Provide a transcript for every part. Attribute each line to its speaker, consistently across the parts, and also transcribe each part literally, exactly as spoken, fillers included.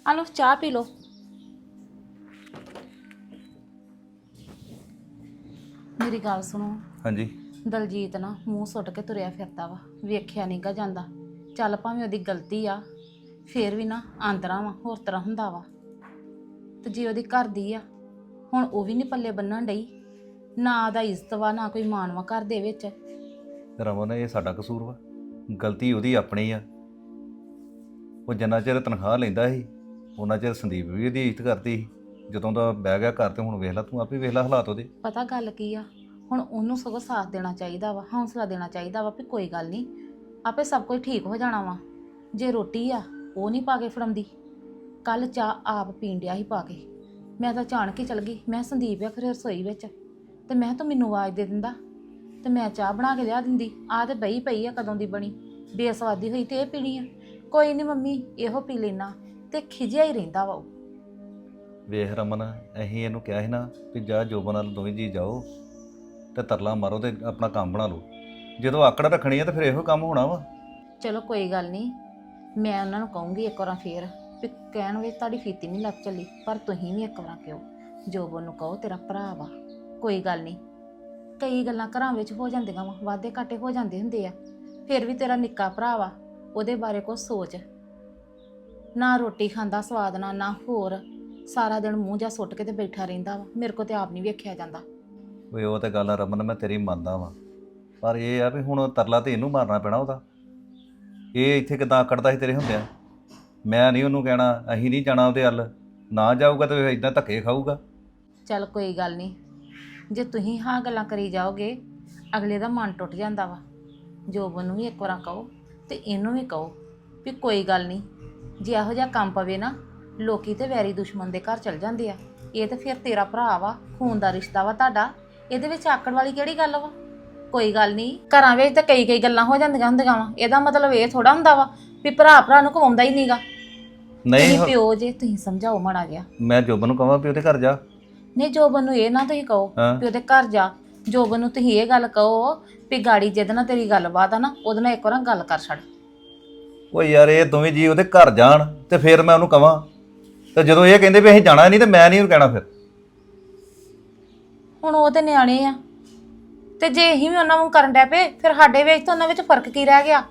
Speaker 1: ਆ ਲਓ ਚਾਹ ਪੀ ਲਓ। ਮੇਰੀ ਗੱਲ ਸੁਣੋ।
Speaker 2: ਹਾਂਜੀ।
Speaker 1: ਦਲਜੀਤ ਨਾ ਮੂੰਹ ਸੁੱਟ ਕੇ ਤੁਰਿਆ ਫਿਰਦਾ ਵਾ, ਵੇਖਿਆ ਨਹੀਂਗਾ ਜਾਂਦਾ। ਚੱਲ ਭਾਵੇਂ ਉਹਦੀ ਗਲਤੀ ਆ, ਫੇਰ ਵੀ ਨਾ ਆਂਦਰਾ ਵਾ ਹੋਰ ਤਰ੍ਹਾਂ ਹੁੰਦਾ ਵਾ। ਤੇ ਜੇ ਉਹਦੀ ਘਰ ਦੀ ਆ, ਹੁਣ ਉਹ ਵੀ ਨਹੀਂ ਪੱਲੇ ਬੰਨਣ ਡਈ, ਨਾ ਦਾ ਇੱਜ਼ਤ ਵਾ ਨਾ ਕੋਈ ਮਾਣ ਵਾ ਘਰ ਦੇ ਵਿੱਚ।
Speaker 2: ਰਮਨ ਇਹ ਸਾਡਾ ਕਸੂਰ ਵਾ, ਗਲਤੀ ਉਹਦੀ ਆਪਣੀ ਆ। ਉਹ ਜਿੰਨਾ ਚਿਰ ਤਨਖਾਹ ਲੈਂਦਾ ਸੀ ਉਹਨਾਂ ਚਿਰ ਸੰਦੀਪ ਵੀ ਉਹਦੀ ਇੱਜ਼ਤ ਕਰਦੀ ਸੀ। ਜਦੋਂ ਦਾ ਬਹਿ ਗਿਆ ਘਰ ਤੇ ਹੁਣ ਵੇਖ ਲੈ, ਤੂੰ ਆਪੇ ਵੇਖ ਲੈ ਹਾਲਾਤ ਉਹਦੇ।
Speaker 1: ਪਤਾ ਗੱਲ ਕੀ ਆ, ਹੁਣ ਉਹਨੂੰ ਸਗੋਂ ਸਾਥ ਦੇਣਾ ਚਾਹੀਦਾ ਵਾ, ਹੌਸਲਾ ਦੇਣਾ ਚਾਹੀਦਾ ਵਾ ਵੀ ਕੋਈ ਗੱਲ ਨਹੀਂ, ਆਪੇ ਸਭ ਕੁਝ ਠੀਕ ਹੋ ਜਾਣਾ ਵਾ। ਜੇ ਰੋਟੀ ਆ ਉਹ ਨਹੀਂ ਪਾ ਕੇ ਫੜਾਉਂਦੀ, ਕੱਲ ਚਾਹ ਆਪ ਪੀਣ ਡਿਆ ਸੀ ਪਾ ਕੇ। ਮੈਂ ਤਾਂ ਜਾਣ ਕੇ ਚਲ ਗਈ, ਮੈਂ ਸੰਦੀਪ ਆ ਖਰੇ ਰਸੋਈ ਵਿੱਚ, ਤੇ ਮੈਂ ਤੂੰ ਮੈਨੂੰ ਆਵਾਜ਼ ਦੇ ਦਿੰਦਾ ਤੇ ਮੈਂ ਚਾਹ ਬਣਾ ਕੇ ਲਿਆ ਦਿੰਦੀ। ਆਹ ਤੇ ਬਈ ਪਈ ਆ ਕਦੋਂ ਦੀ ਬਣੀ, ਬੇਸਵਾਦੀ ਹੋਈ ਤੇ ਇਹ ਪੀਣੀ ਆ। ਕੋਈ ਨਹੀਂ ਮੰਮੀ ਇਹੋ ਪੀ ਲੈਣਾ, ਤੇ ਖਿਜਿਆ ਹੀ ਰਹਿੰਦਾ ਵਾ ਉਹ।
Speaker 2: ਵੇਖ ਰਮਨ, ਅਸੀਂ ਇਹਨੂੰ ਕਿਹਾ ਸੀ ਨਾ ਵੀ ਜਾ ਜੋਬਨ ਨਾਲ ਦੋਵੇਂ ਜੀ ਜਾਓ ਤੇ ਤਰਲਾ ਮਾਰੋ ਤੇ ਆਪਣਾ ਕੰਮ ਬਣਾ ਲਓ। ਜਦੋਂ ਆਕੜ ਰੱਖਣੀ ਆ ਤਾਂ ਫਿਰ ਇਹੋ ਕੰਮ ਹੋਣਾ ਵਾ।
Speaker 1: ਚਲੋ ਕੋਈ ਗੱਲ ਨਹੀਂ, ਮੈਂ ਉਹਨਾਂ ਨੂੰ ਕਹੂੰਗੀ ਇੱਕ ਵਾਰ ਫੇਰ ਵੀ ਕਹਿਣ ਵਿੱਚ ਤੁਹਾਡੀ ਫੀਤੀ ਨਹੀਂ ਲੱਗ ਚੱਲੀ, ਪਰ ਤੁਸੀਂ ਵੀ ਇੱਕ ਵਾਰ ਕਿਉਂ ਜੋਬਨ ਨੂੰ ਕਹੋ ਤੇਰਾ ਭਰਾ ਵਾ, ਕੋਈ ਗੱਲ ਨਹੀਂ। ਕਈ ਗੱਲਾਂ ਘਰਾਂ ਵਿੱਚ ਹੋ ਜਾਂਦੀਆਂ ਵਾ, ਵਾਧੇ ਘਾਟੇ ਹੋ ਜਾਂਦੇ ਹੁੰਦੇ ਆ, ਫਿਰ ਵੀ ਤੇਰਾ ਨਿੱਕਾ ਭਰਾ ਵਾ, ਉਹਦੇ ਬਾਰੇ ਕੁਛ ਸੋਚ। ਨਾ ਰੋਟੀ ਖਾਂਦਾ ਸਵਾਦ ਨਾਲ, ਨਾ ਹੋਰ, ਸਾਰਾ ਦਿਨ ਮੂੰਹ ਜਾ ਸੁੱਟ ਕੇ ਤੇ ਬੈਠਾ ਰਹਿੰਦਾ ਵਾ। ਮੇਰੇ ਕੋ ਤੇ ਆਪ ਨਹੀਂ ਵੇਖਿਆ ਜਾਂਦਾ।
Speaker 2: ਓਏ ਉਹ ਤੇ ਗੱਲ ਆ ਰਮਨ, ਮੈਂ ਤੇਰੀ ਮੰਨਦਾ ਵਾਂ, ਪਰ ਇਹ ਆ ਵੀ ਹੁਣ ਤਰਲਾ ਤੇ ਇਹਨੂੰ ਮਾਰਨਾ ਪੈਣਾ ਉਹਦਾ। ਇਹ ਇੱਥੇ ਕਿੱਦਾਂ ਆਕੜਦਾ ਸੀ ਤੇਰੇ ਹੁੰਦਿਆਂ। ਮੈਂ ਨਹੀਂ ਉਹਨੂੰ ਕਹਿਣਾ, ਅਸੀਂ ਨਹੀਂ ਜਾਣਾ ਉਹਦੇ ਹੱਲ, ਨਾ ਜਾਊਗਾ ਤੇ ਇਦਾਂ ਧੱਕੇ ਖਾਊਗਾ।
Speaker 1: ਚੱਲ ਕੋਈ ਗੱਲ ਨਹੀਂ, ਜੇ ਤੁਸੀਂ ਹਾਂ ਗੱਲਾਂ ਕਰੀ ਜਾਓਗੇ ਅਗਲੇ ਦਾ ਮਨ ਟੁੱਟ ਜਾਂਦਾ ਵਾ। ਜੋਬਨ ਨੂੰ ਵੀ ਇੱਕ ਵਾਰ ਕਹੋ ਤੇ ਇਹਨੂੰ ਵੀ ਕਹੋ ਵੀ ਕੋਈ ਗੱਲ ਨਹੀਂ, ਜੇ ਇਹੋ ਜਿਹਾ ਕੰਮ ਪਵੇ ਨਾ, ਲੋਕੀ ਤੇ ਵੈਰੀ ਦੁਸ਼ਮਣ ਦੇ ਘਰ ਚਲ ਜਾਂਦੇ ਆ। ਇਹ ਤੇ ਫਿਰ ਤੇਰਾ ਭਰਾ ਵਾ, ਖੂਨ ਦਾ ਰਿਸ਼ਤਾ ਵਾ ਤੁਹਾਡਾ, ਇਹਦੇ ਵਿੱਚ ਆਕੜ ਵਾਲੀ ਕਿਹੜੀ ਗੱਲ ਵਾ। ਕੋਈ ਗੱਲ ਨਹੀਂ, ਘਰਾਂ ਵਿੱਚ ਤਾਂ ਕਈ ਕਈ ਗੱਲਾਂ ਹੋ ਜਾਂਦੀਆਂ ਹੁੰਦੀਆਂ ਵਾ, ਇਹਦਾ ਮਤਲਬ ਇਹ ਥੋੜਾ ਹੁੰਦਾ ਵਾ ਵੀ ਭਰਾ ਭਰਾ ਨੂੰ ਕਵਾਉਂਦਾ ਹੀ ਨਹੀਂਗਾ।
Speaker 2: ਨਹੀਂ
Speaker 1: ਪਿਓ ਜੇ ਤੁਸੀਂ ਸਮਝਾਓ ਮਾੜਾ ਜਿਹਾ।
Speaker 2: ਮੈਂ ਜੋਬਨ ਨੂੰ ਕਹਾਂ ਵੀ ਉਹਦੇ ਘਰ ਜਾ।
Speaker 1: ਨਹੀਂ ਜੋਬਨ ਨੂੰ ਇਹ ਨਾ ਤੁਸੀਂ ਕਹੋ ਵੀ ਉਹਦੇ ਘਰ ਜਾ, ਜੋਬਨ ਨੂੰ ਤੁਸੀਂ ਇਹ ਗੱਲ ਕਹੋ ਵੀ ਗਾੜੀ ਜਿਹਦੇ ਨਾਲ ਤੇਰੀ ਗੱਲਬਾਤ ਆ ਨਾ, ਉਹਦੇ ਨਾਲ ਇੱਕ ਵਾਰ ਗੱਲ ਕਰ ਛੱਡ।
Speaker 2: ਓ ਯਾਰ ਇਹ ਦੋਵੇਂ ਜੀ ਉਹਦੇ ਘਰ ਜਾਣ ਤੇ ਫਿਰ ਮੈਂ ਉਹਨੂੰ ਕਹਾਂ, ਤੇ ਜਦੋਂ ਇਹ ਕਹਿੰਦੇ ਵੀ ਅਸੀਂ ਜਾਣਾ ਨਹੀਂ ਤੇ ਮੈਂ ਨਹੀਂ ਉਹਨੂੰ ਕਹਿਣਾ। ਫਿਰ
Speaker 1: ਹੁਣ ਉਹ ਤੇ ਨਿਆਣੇ ਆ, ਤੇ ਜੇ ਅਸੀਂ ਵੀ ਉਹਨਾਂ ਨੂੰ ਕਰਨ ਡੈ ਪਏ ਫਿਰ ਸਾਡੇ ਵਿੱਚ ਤੇ ਉਹਨਾਂ ਵਿੱਚ ਫਰਕ ਕੀ ਰਹਿ ਗਿਆ।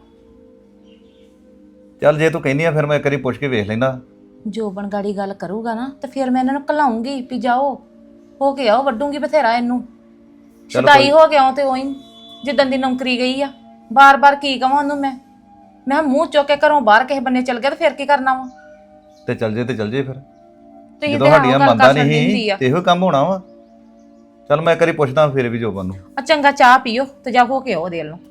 Speaker 2: ਚੱਲ ਜੇ ਤੂੰ ਕਹਿੰਦੀ ਆ ਫਿਰ ਮੈਂ ਇੱਕ ਵਾਰੀ ਪੁੱਛ ਕੇ ਵੇਖ ਲੈਂਦਾ।
Speaker 1: ਜੋਬਨ ਗਾੜੀ ਗੱਲ ਕਰੂਗਾ ਨਾ ਤੇ ਫਿਰ ਮੈਂ ਇਹਨਾਂ ਨੂੰ ਘਲਾਉਂਗੀ ਵੀ ਜਾਓ ਹੋ ਕੇ ਆਓ, ਵੱਡੂਗੀ ਬਥੇਰਾ ਇਹਨੂੰ। ਸ਼ਦਾਈ ਹੋ ਗਿਆ ਤੇ ਉਹੀ ਜਿੱਦਣ ਦੀ ਨੌਕਰੀ ਗਈ ਆ, ਬਾਰ-ਬਾਰ ਕੀ ਕਵਾਂ ਉਹਨੂੰ ਮੈਂ ਮੈਂ ਮੂੰਹ ਚੁੱਕ ਕੇ ਘਰੋਂ ਬਾਹਰ ਕਿਸੇ ਬੰਨੇ ਚਲ ਗਿਆ ਤੇ ਫਿਰ ਕੀ ਕਰਨਾ ਵਾ।
Speaker 2: ਤੇ ਚੱਲ ਜੇ ਤੇ ਚੱਲ ਜੇ ਫਿਰ,
Speaker 1: ਤੁਸੀਂ
Speaker 2: ਜਦੋਂ ਸਾਡੀਆਂ ਮੰਨਦਾ ਨਹੀਂ ਤੇ ਇਹੋ ਕੰਮ ਹੋਣਾ ਵਾ। ਚੱਲ ਮੈਂ ਇੱਕ ਵਾਰੀ ਪੁੱਛਦਾ ਫਿਰ ਵੀ ਜੋਬਨ ਨੂੰ।
Speaker 1: ਆ ਚੰਗਾ ਚਾਹ ਪੀਓ ਤੇ ਜਾ ਹੋ ਕੇ ਆਓ ਦੇ ਲਓ।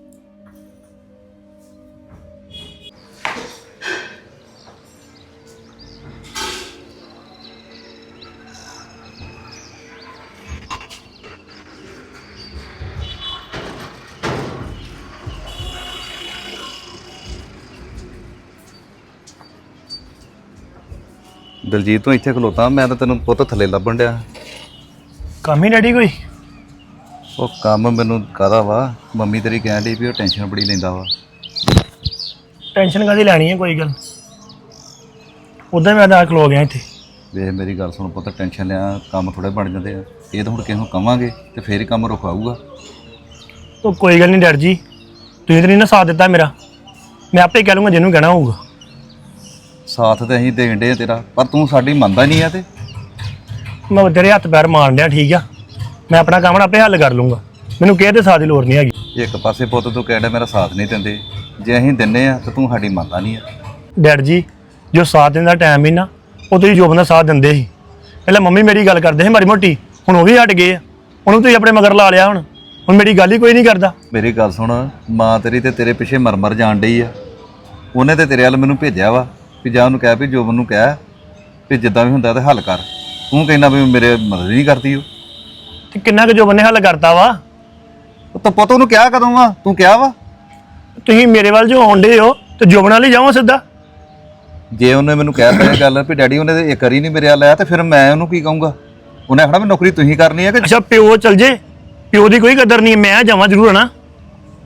Speaker 2: ਦਲਜੀਤ ਤੂੰ ਇੱਥੇ ਖਲੋਤਾ, ਮੈਂ ਤਾਂ ਤੈਨੂੰ ਪੁੱਤ ਥੱਲੇ ਲੱਭਣ ਡਿਆ।
Speaker 3: ਕੰਮ ਹੀ ਡੈਡੀ ਕੋਈ?
Speaker 2: ਉਹ ਕੰਮ ਮੈਨੂੰ ਕਾਹਦਾ ਵਾ, ਮੰਮੀ ਤੇਰੀ ਕਹਿਣ ਡਈ ਵੀ ਉਹ ਟੈਨਸ਼ਨ ਬੜੀ ਲੈਂਦਾ ਵਾ।
Speaker 3: ਟੈਨਸ਼ਨ ਕਾਹਦੀ ਲੈਣੀ ਹੈ, ਕੋਈ ਗੱਲ ਉਦਾਂ ਮੈਂ ਤਾਂ ਖਲੋ ਗਿਆ ਇੱਥੇ।
Speaker 2: ਵੇਖ ਮੇਰੀ ਗੱਲ ਸੁਣ ਪੁੱਤ, ਟੈਨਸ਼ਨ ਲਿਆ ਕੰਮ ਥੋੜੇ ਬਣ ਜਾਂਦੇ ਆ। ਇਹ ਤਾਂ ਹੁਣ ਕਿਸੇ ਨੂੰ ਕਵਾਂਗੇ ਤੇ ਫੇਰ ਹੀ ਕੰਮ ਰੁਕਾਊਗਾ।
Speaker 3: ਉਹ ਕੋਈ ਗੱਲ ਨਹੀਂ ਡੈਡ ਜੀ, ਤੁਸੀਂ ਤਾਂ ਨਹੀਂ ਨਾ ਸਾਥ ਦਿੱਤਾ ਮੇਰਾ, ਮੈਂ ਆਪੇ ਕਹਿ ਲੂੰਗਾ ਜਿਹਨੂੰ ਕਹਿਣਾ ਹੋਊਗਾ।
Speaker 2: ਸਾਥ ਤੇ ਅਸੀਂ ਦੇਣ ਡੇ ਤੇਰਾ, ਪਰ ਤੂੰ ਸਾਡੀ ਮੰਨਦਾ ਨਹੀਂ ਆ। ਤੇ
Speaker 3: ਮੈਂ ਤੇਰੇ ਹੱਥ ਪੈਰ ਮਾਰਨ ਡਿਆ, ਠੀਕ ਆ, ਮੈਂ ਆਪਣਾ ਕੰਮ ਆਪੇ ਹੱਲ ਕਰ ਲੂੰਗਾ, ਮੈਨੂੰ ਕਿਸੇ ਦੇ ਸਾਥ ਦੀ ਲੋੜ ਨਹੀਂ ਹੈਗੀ।
Speaker 2: ਇੱਕ ਪਾਸੇ ਪੁੱਤ ਤੂੰ ਕਹਿ ਡਿਆ ਮੇਰਾ ਸਾਥ ਨਹੀਂ ਦਿੰਦੇ, ਜੇ ਅਸੀਂ ਦਿੰਨੇ ਆ ਤਾਂ ਤੂੰ ਸਾਡੀ ਮੰਨਦਾ ਨਹੀਂ ਆ।
Speaker 3: ਡੈਡ ਜੀ ਜੋ ਸਾਥ ਦੇਣ ਦਾ ਟਾਈਮ ਹੀ ਨਾ, ਉਹ ਤੁਸੀਂ ਜੋਬਨ ਦਾ ਸਾਥ ਦਿੰਦੇ ਸੀ। ਪਹਿਲਾਂ ਮੰਮੀ ਮੇਰੀ ਗੱਲ ਕਰਦੇ ਸੀ ਮਾੜੀ ਮੋਟੀ, ਹੁਣ ਉਹ ਵੀ ਹਟ ਗਏ ਆ, ਉਹਨੂੰ ਤੁਸੀਂ ਆਪਣੇ ਮਗਰ ਲਾ ਲਿਆ। ਹੁਣ ਹੁਣ ਮੇਰੀ ਗੱਲ ਹੀ ਕੋਈ ਨਹੀਂ ਕਰਦਾ।
Speaker 2: ਮੇਰੀ ਗੱਲ ਸੁਣ, ਮਾਂ ਤੇਰੀ ਤੇ ਤੇਰੇ ਪਿੱਛੇ ਮਰ ਮਰ ਜਾਣ ਡਈ ਆ। ਉਹਨੇ ਤੇ ਤੇਰੇ ਵੱਲ ਮੈਨੂੰ ਭੇਜਿਆ ਵਾ ਵੀ ਜਾ ਉਹਨੂੰ ਕਹਿ ਵੀ ਜੋਬਨ ਨੂੰ ਕਹਿ ਵੀ ਜਿੱਦਾਂ ਵੀ ਹੁੰਦਾ ਤੇ ਹੱਲ ਕਰ। ਤੂੰ ਕਹਿੰਦਾ ਵੀ ਮੇਰੇ ਮਦਦ ਨਹੀਂ ਕਰਦੀ ਉਹ।
Speaker 3: ਤੇ ਕਿੰਨਾ ਕੁ ਜੋਬਨ ਨੇ ਹੱਲ ਕਰਤਾ ਵਾ?
Speaker 2: ਉਹ ਤਾਂ ਪੁੱਤ ਉਹਨੂੰ ਕਿਹਾ ਕਦੋਂ ਵਾ? ਤੂੰ ਕਿਹਾ ਵਾ?
Speaker 3: ਤੁਸੀਂ ਮੇਰੇ ਵੱਲ ਜੋ ਆਉਂਦੇ ਹੋ ਤੇ ਜੋਬਨ ਵਾਲੀ ਜਾਓ ਸਿੱਧਾ।
Speaker 2: ਜੇ ਉਹਨੇ ਮੈਨੂੰ ਕਹਿ ਤਾ ਇਹ ਗੱਲ ਵੀ ਡੈਡੀ ਉਹਨੇ ਤੇ ਇੱਕ ਵਾਰੀ ਨਹੀਂ ਮੇਰੇ ਵੱਲ ਆਇਆ, ਤੇ ਫਿਰ ਮੈਂ ਉਹਨੂੰ ਕੀ ਕਹੂੰਗਾ? ਉਹਨੇ ਆਖਣਾ ਵੀ ਨੌਕਰੀ ਤੁਸੀਂ ਕਰਨੀ ਹੈ ਕਿ?
Speaker 3: ਅੱਛਾ ਪਿਓ ਚਲ ਜੇ, ਪਿਓ ਦੀ ਕੋਈ ਕਦਰ ਨਹੀਂ, ਮੈਂ ਜਾਵਾਂ ਜ਼ਰੂਰ ਨਾ।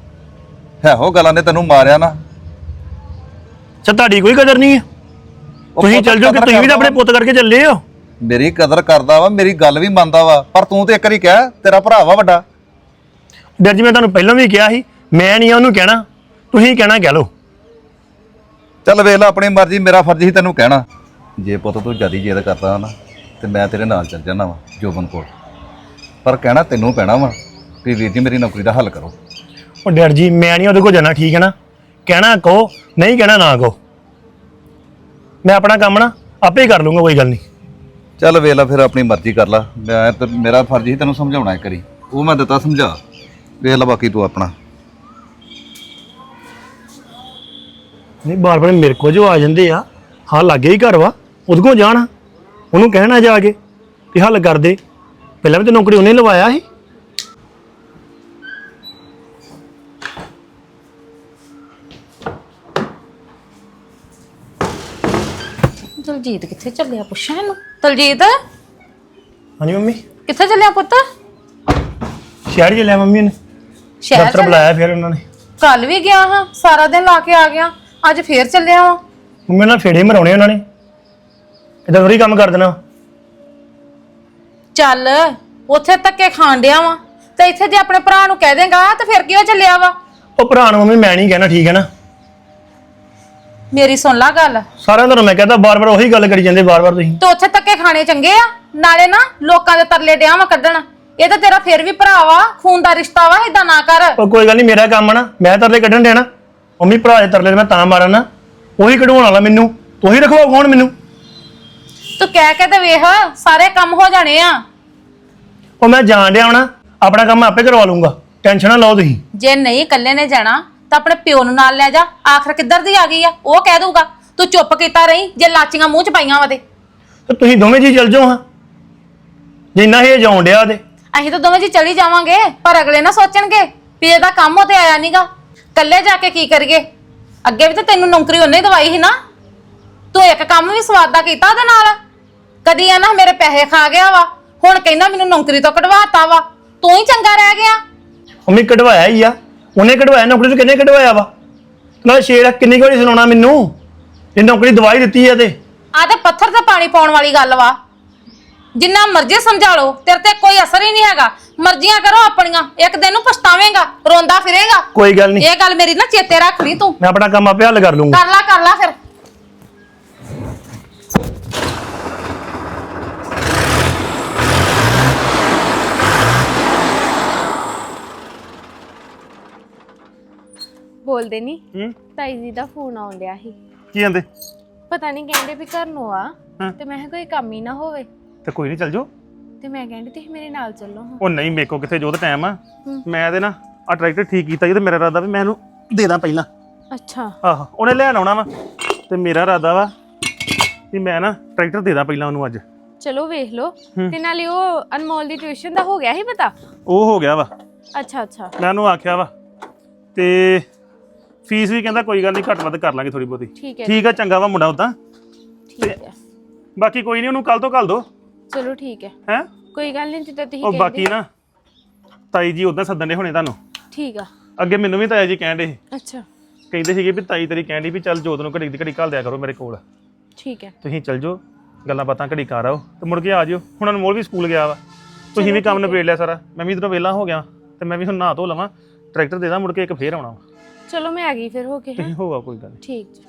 Speaker 2: ਹੈ ਉਹ ਗੱਲਾਂ ਨੇ ਤੈਨੂੰ ਮਾਰਿਆ ਨਾ।
Speaker 3: ਅੱਛਾ ਤੁਹਾਡੀ ਕੋਈ ਕਦਰ ਨਹੀਂ ਹੈ?
Speaker 2: ਉਹ
Speaker 3: ਤੁਸੀਂ
Speaker 2: ਪੁੱਤ
Speaker 3: ਚੱਲ ਜਾਓ ਕਿ
Speaker 2: ਕਦਰ
Speaker 3: ਤੁਸੀਂ ਵੀ ਤਾਂ ਆਪਣੇ
Speaker 2: ਕਰਦਾ
Speaker 3: ਪੁੱਤ ਕਰਕੇ ਚੱਲੇ ਹੋ।
Speaker 2: ਮੇਰੀ ਕਦਰ ਕਰਦਾ ਵਾ, ਮੇਰੀ ਗੱਲ ਵੀ ਮੰਨਦਾ ਵਾ, ਪਰ ਤੂੰ ਤੇ ਇੱਕ ਵਾਰੀ ਕਹਿ, ਤੇਰਾ ਭਰਾ ਵਾ ਵੱਡਾ।
Speaker 3: ਡਰ ਜੀ ਮੈਂ ਤੁਹਾਨੂੰ ਪਹਿਲਾਂ ਵੀ ਕਿਹਾ ਸੀ, ਮੈਂ ਨਹੀਂ ਉਹਨੂੰ ਕਹਿਣਾ, ਤੁਸੀਂ ਕਹਿਣਾ ਕਹਿ ਲਓ।
Speaker 2: ਚੱਲ ਵੇਖ ਲੈ ਆਪਣੀ ਮਰਜ਼ੀ, ਮੇਰਾ ਫਰਜ਼ ਹੀ ਤੈਨੂੰ ਕਹਿਣਾ। ਜੇ ਪੁੱਤ ਤੂੰ ਜਿਆਦੀ ਜਿੱਦ ਕਰਦਾ ਨਾ ਤੇ ਮੈਂ ਤੇਰੇ ਨਾਲ ਚੱਲ ਜਾਣਾ ਵਾ ਜੋਬਨ ਕੋਲ, ਪਰ ਕਹਿਣਾ ਤੈਨੂੰ ਪੈਣਾ ਵਾ ਕਿ ਵੀਰ ਜੀ ਮੇਰੀ ਨੌਕਰੀ ਦਾ ਹੱਲ ਕਰੋ।
Speaker 3: ਉਹ ਡਰ ਜੀ ਮੈਂ ਨਹੀਂ ਉਹਦੇ ਕੋਲ ਜਾਣਾ, ਠੀਕ ਹੈ ਨਾ? ਕਹਿਣਾ ਕਹੋ, ਨਹੀਂ ਕਹਿਣਾ ਨਾ ਕਹੋ। ਮੈਂ ਆਪਣਾ ਕੰਮ ਨਾ ਆਪੇ ਹੀ ਕਰ ਲੂੰਗਾ, ਕੋਈ ਗੱਲ ਨਹੀਂ।
Speaker 2: ਚੱਲ ਵੇਖ ਲੈ ਫਿਰ ਆਪਣੀ ਮਰਜ਼ੀ ਕਰ ਲੈ, ਮੈਂ ਤੇ ਮੇਰਾ ਫਰਜ਼ ਹੀ ਤੈਨੂੰ ਸਮਝਾਉਣਾ ਇੱਕ ਵਾਰੀ, ਉਹ ਮੈਂ ਦਿੱਤਾ ਸਮਝਾ, ਵੇਖ ਲੈ ਬਾਕੀ ਤੂੰ ਆਪਣਾ।
Speaker 3: ਨਹੀਂ ਬਾਰ ਬਾਰ ਮੇਰੇ ਕੋਲ ਜੋ ਆ ਜਾਂਦੇ ਆ, ਹਾਂ ਲਾਗੇ ਹੀ ਘਰ ਵਾ, ਉਹਦੇ ਕੋਲ ਜਾਣਾ, ਉਹਨੂੰ ਕਹਿਣਾ ਜਾ ਕੇ ਕਿ ਹੱਲ ਕਰ ਦੇ। ਪਹਿਲਾਂ ਵੀ ਤੇ ਨੌਕਰੀ ਉਹਨੇ ਲਵਾਇਆ ਸੀ।
Speaker 1: ਦਲਜੀਤ ਕਿੱਥੇ ਚੱਲਿਆ, ਪੁੱਛਾਂ ਇਹਨੂੰ। ਦਲਜੀਤ
Speaker 3: ਹਾਂਜੀ ਮੰਮੀ,
Speaker 1: ਕਿੱਥੇ ਚੱਲਿਆ ਪੁੱਤ?
Speaker 3: ਸ਼ਹਿਰ ਚ ਲੈ ਮੰਮੀ ਨੇ
Speaker 1: ਸ਼ਹਿਰ
Speaker 3: ਦਫ਼ਤਰ
Speaker 1: ਚੱਲਿਆ?
Speaker 3: ਬੁਲਾਇਆ ਫਿਰ ਉਹਨਾਂ ਨੇ।
Speaker 1: ਕੱਲ ਵੀ ਗਿਆ ਹਾਂ, ਸਾਰਾ ਦਿਨ ਲਾ ਕੇ ਆ ਗਿਆ, ਅੱਜ ਫੇਰ ਚੱਲਿਆ ਵਾਂ।
Speaker 3: ਮੰਮੀ ਨਾਲ ਫੇੜੇ ਮਰਾਉਣੇ ਉਹਨਾਂ ਨੇ, ਇਦਾਂ ਥੋੜੀ ਕੰਮ ਕਰ ਦੇਣਾ।
Speaker 1: ਚੱਲ ਉੱਥੇ ਧੱਕੇ ਖਾਣ ਡਿਆ ਵਾਂ, ਤੇ ਇੱਥੇ ਜੇ ਆਪਣੇ ਭਰਾ ਨੂੰ ਕਹਿ ਦੇਂਗਾ ਤੇ ਫਿਰ ਕਿਉਂ ਚੱਲਿਆ ਵਾ?
Speaker 3: ਉਹ ਭਰਾ ਨੂੰ ਮੰਮੀ ਮੈਂ ਨਹੀਂ ਕਹਿਣਾ, ਠੀਕ ਹੈ ਨਾ?
Speaker 1: ਮੇਰੀ ਸੁਣ ਲਾ ਗੱਲ,
Speaker 3: ਸਾਰਿਆਂ ਨੂੰ ਮੈਂ ਕਹਤਾ, ਬਾਰ ਬਾਰ ਉਹੀ ਗੱਲ ਕਰੀ ਜਾਂਦੇ ਬਾਰ ਬਾਰ ਤੁਸੀਂ।
Speaker 1: ਤੇ ਉੱਥੇ ਧੱਕੇ ਖਾਣੇ ਚੰਗੇ ਆ? ਨਾਲੇ ਨਾ ਲੋਕਾਂ ਦੇ ਤਰਲੇ ਡਿਆ ਵਾ ਕੱਢਣ, ਇਹ ਤਾਂ ਤੇਰਾ ਫਿਰ ਵੀ ਭਰਾ ਵਾ, ਖੂਨ ਦਾ ਰਿਸ਼ਤਾ ਵਾ, ਏਦਾਂ ਨਾ ਕਰ।
Speaker 3: ਉਹ ਕੋਈ ਗੱਲ ਨਹੀਂ, ਮੇਰਾ ਕੰਮ ਆ ਨਾ, ਮੈਂ ਤਰਲੇ ਕੱਢਣ ਦੇਣਾ। ਮੰਮੀ ਭਰਾ ਦੇ ਤਰਲੇ ਮੈਂ ਤਾਂ ਮਾਰਾਂ ਨਾ, ਉਹੀ ਕਢਵਾਉਣ ਵਾਲਾ ਮੈਨੂੰ, ਤੁਸੀਂ ਰਖਵਾਓ ਕੌਣ ਮੈਨੂੰ?
Speaker 1: ਤੂੰ ਕਹਿ ਕੇ ਤੇ ਵੇਖ, ਸਾਰੇ ਕੰਮ ਹੋ ਜਾਣੇ ਆ।
Speaker 3: ਉਹ ਮੈਂ ਜਾਣ ਡਿਆ ਹੋਣਾ, ਆਪਣਾ ਕੰਮ ਮੈਂ ਆਪੇ ਕਰਵਾ ਲੂੰਗਾ, ਟੈਨਸ਼ਨ ਨਾ ਲਓ ਤੁਸੀਂ।
Speaker 1: ਜੇ ਨਹੀਂ ਇਕੱਲੇ ਨੇ ਜਾਣਾ ਤਾਂ ਆਪਣੇ ਪਿਓ ਨੂੰ ਨਾਲ ਲੈ ਜਾ, ਆਖਰ ਕਿੱਧਰ ਦੀ ਆ ਗਈ ਆ ਉਹ ਕਹਿ ਦੂਗਾ। ਤੂੰ ਚੁੱਪ ਕੀਤਾ ਰਹੀ, ਜੇ ਲਾਚੀਆਂ ਮੂੰਹ ਚ ਪਾਈਆਂ ਵਾ ਤੇ।
Speaker 3: ਤੇ ਤੁਸੀਂ ਦੋਵੇਂ ਜੀ ਚੱਲ ਜਾਓ ਹਾਂ, ਜਿੰਨਾ ਇਹ ਜਾਉਣ ਡਿਆ ਤੇ।
Speaker 1: ਅਸੀਂ ਤਾਂ ਦੋਵੇਂ ਜੀ ਚਲੀ ਜਾਵਾਂਗੇ, ਪਰ ਅਗਲੇ ਨਾ ਸੋਚਣਗੇ ਵੀ ਇਹਦਾ ਕੰਮ ਉਤੇ ਆਇਆ ਨੀਗਾ, ਇਕੱਲੇ ਜਾ ਕੇ ਕੀ ਕਰੀਏ? ਅੱਗੇ ਵੀ ਤਾਂ ਤੈਨੂੰ ਨੌਕਰੀ ਉਹਨੇ ਦਵਾਈ ਸੀ ਨਾ, ਤੂੰ ਇੱਕ ਕੰਮ ਵੀ ਸਵਾਦ ਦਾ ਕੀਤਾ ਉਹਦੇ ਨਾਲ? ਕਦੀ ਆ ਨਾ ਮੇਰੇ ਪੈਸੇ ਖਾ ਗਿਆ ਵਾ, ਹੁਣ ਕਹਿੰਦਾ ਮੈਨੂੰ ਨੌਕਰੀ ਤੋਂ ਕਢਵਾਤਾ ਵਾ, ਤੂੰ ਹੀ ਚੰਗਾ ਰਹਿ ਗਿਆ।
Speaker 3: ਮੰਮੀ ਕਢਵਾਇਆ ਹੀ ਆ, ਉਹਨੇ ਕਢਵਾਇਆ, ਨੌਕਰੀ ਤੋਂ ਕਿੰਨੇ ਕਢਵਾਇਆ ਵਾ? ਨਾਲ ਸ਼ੇਰ ਕਿੰਨੀ ਵਾਰੀ ਸੁਣਾਉਣਾ ਮੈਨੂੰ, ਇਹ ਨੌਕਰੀ ਦਵਾਈ ਦਿੱਤੀ ਆ ਤੇ।
Speaker 1: ਆ ਤੇ ਪੱਥਰ ਤੇ ਪਾਣੀ ਪਾਉਣ ਵਾਲੀ ਗੱਲ ਵਾ, ਜਿੰਨਾ ਮਰਜ਼ੀ ਸਮਝਾ ਲਓ, ਤੇਰੇ ਤੇ ਕੋਈ ਅਸਰ ਹੀ ਨਹੀਂ ਹੈਗਾ। ਮਰਜ਼ੀਆਂ ਕਰੋ ਆਪਣੀਆਂ, ਇੱਕ ਦਿਨ ਨੂੰ ਪਛਤਾਵੇਂਗਾ, ਰੋਂਦਾ ਫਿਰੇਗਾ।
Speaker 3: ਕੋਈ ਗੱਲ ਨਹੀਂ,
Speaker 1: ਇਹ ਗੱਲ ਮੇਰੀ ਨਾ ਚੇਤੇ ਰੱਖ ਲਈ ਤੂੰ।
Speaker 3: ਮੈਂ ਆਪਣਾ ਕੰਮ ਆਪੇ ਹੱਲ ਕਰ ਲੂੰਗਾ।
Speaker 1: ਕਰ ਲਾ ਕਰ ਲਾ ਫਿਰ।
Speaker 4: ਬੋਲਦੇ ਨਹੀਂ,
Speaker 3: ਹੂੰ,
Speaker 4: ਤਾਈ ਜੀ ਦਾ ਫੋਨ ਆਉਣ ਡਿਆ ਸੀ।
Speaker 3: ਕੀ ਕਹਿੰਦੇ?
Speaker 4: ਪਤਾ ਨਹੀਂ, ਕਹਿੰਦੇ ਵੀ ਘਰ ਨੂੰ ਆ,
Speaker 3: ਹਾਂ।
Speaker 4: ਤੇ ਮੈਂ ਕਿਹਾ ਕੋਈ ਕੰਮ ਹੀ ਨਾ ਹੋਵੇ,
Speaker 3: ਤੇ ਕੋਈ ਨਹੀਂ ਚੱਲ ਜਾਓ।
Speaker 4: ਤੇ ਮੈਂ ਕਹਿੰਦੀ ਤੁਸੀਂ ਮੇਰੇ ਨਾਲ ਚੱਲੋ ਹਾਂ।
Speaker 3: ਉਹ ਨਹੀਂ, ਮੇਰੇ ਕੋ ਕਿੱਥੇ ਜੋ ਤਾਂ ਟਾਈਮ ਆ,
Speaker 4: ਹੂੰ।
Speaker 3: ਮੈਂ ਤੇ ਨਾ ਆ ਟਰੈਕਟਰ ਠੀਕ ਕੀਤਾ ਜੀ, ਤੇ ਮੇਰਾ ਇਰਾਦਾ ਵੀ ਮੈਂ ਇਹਨੂੰ ਦੇ ਦਾਂ ਪਹਿਲਾਂ।
Speaker 4: ਅੱਛਾ,
Speaker 3: ਆਹੋ, ਉਹਨੇ ਲੈਣ ਆਉਣਾ ਵਾ, ਤੇ ਮੇਰਾ ਇਰਾਦਾ ਵਾ ਵੀ ਮੈਂ ਨਾ ਟਰੈਕਟਰ ਦੇ ਦਾਂ ਪਹਿਲਾਂ ਉਹਨੂੰ ਅੱਜ।
Speaker 4: ਚਲੋ ਵੇਖ ਲਓ। ਤੇ ਨਾਲੇ ਉਹ ਅਨਮੋਲ ਦੀ ਟਿਊਸ਼ਨ ਦਾ ਹੋ ਗਿਆ ਸੀ ਪਤਾ?
Speaker 3: ਉਹ ਹੋ ਗਿਆ ਵਾ,
Speaker 4: ਅੱਛਾ ਅੱਛਾ,
Speaker 3: ਮੈਂ ਉਹਨੂੰ ਆਖਿਆ ਵਾ, ਤੇ ਫੀਸ ਵੀ ਕਹਿੰਦਾ ਕੋਈ ਗੱਲ ਨਹੀਂ, ਘੱਟ ਵੱਧ ਕਰ ਲਾਂਗੇ ਥੋੜੀ ਬਹੁਤੀ।
Speaker 4: ਠੀਕ ਹੈ
Speaker 3: ਠੀਕ ਆ, ਚੰਗਾ ਵਾ ਮੁੰਡਾ ਉਦਾਂ।
Speaker 4: ਠੀਕ ਹੈ,
Speaker 3: ਬਾਕੀ ਕੋਈ ਨਹੀਂ, ਉਹਨੂੰ ਕੱਲ ਤੋਂ ਕੱਲ ਦੋ
Speaker 4: ਚਲੋ ਠੀਕ ਹੈ,
Speaker 3: ਹੈ।
Speaker 4: ਕੋਈ ਗੱਲ ਨਹੀਂ ਜਿੱਦਾਂ ਤੁਸੀਂ
Speaker 3: ਉਹ
Speaker 4: ਕਹਿੰਦੇ।
Speaker 3: ਬਾਕੀ ਨਾ ਤਾਈ ਜੀ ਉਦਾਂ ਸੱਦਣ ਦੇ ਹੋਣੇ ਤੁਹਾਨੂੰ।
Speaker 4: ਠੀਕ ਆ,
Speaker 3: ਅੱਗੇ ਮੈਨੂੰ ਵੀ ਤਾਇਆ ਜੀ ਕਹਿਣ ਦੇ
Speaker 4: ਅੱਛਾ
Speaker 3: ਕਹਿੰਦੇ ਸੀਗੇ ਵੀ ਤਾਈ ਤੇਰੀ ਕਹਿਣ ਡਈ ਵੀ ਚੱਲ ਜੋਤ ਨੂੰ ਘੜੀ ਦੀ ਘੜੀ ਘੱਲ ਦਿਆ ਕਰੋ ਮੇਰੇ ਕੋਲ,
Speaker 4: ਠੀਕ ਹੈ,
Speaker 3: ਤੁਸੀਂ ਚੱਲ ਜਾਓ, ਗੱਲਾਂ ਬਾਤਾਂ ਘੜੀ ਕਰ ਆਓ ਤੇ ਮੁੜ ਕੇ ਆ ਜਿਓ। ਹੁਣ ਅਨਮੋਲ ਵੀ ਸਕੂਲ ਗਿਆ ਵਾ, ਤੁਸੀਂ ਵੀ ਕੰਮ ਨਿਬੇੜ ਲਿਆ ਸਾਰਾ, ਮੈਂ ਵੀ ਇਧਰੋਂ ਵਿਹਲਾ ਹੋ ਗਿਆ, ਤੇ ਮੈਂ ਵੀ ਹੁਣ ਨਹਾ ਧੋ ਲਵਾਂ, ਟਰੈਕਟਰ ਦੇ ਦਾਂ, ਮੁੜ ਕੇ ਇੱਕ ਫੇਰ ਆਉਣਾ ਵਾ।
Speaker 4: ਚਲੋ ਮੈਂ ਆ ਗਈ ਫਿਰ ਹੋ ਕੇ।
Speaker 3: ਤੁਸੀਂ ਹੋਗਾ, ਕੋਈ ਗੱਲ ਨਹੀਂ।
Speaker 4: ਠੀਕ ਜੀ।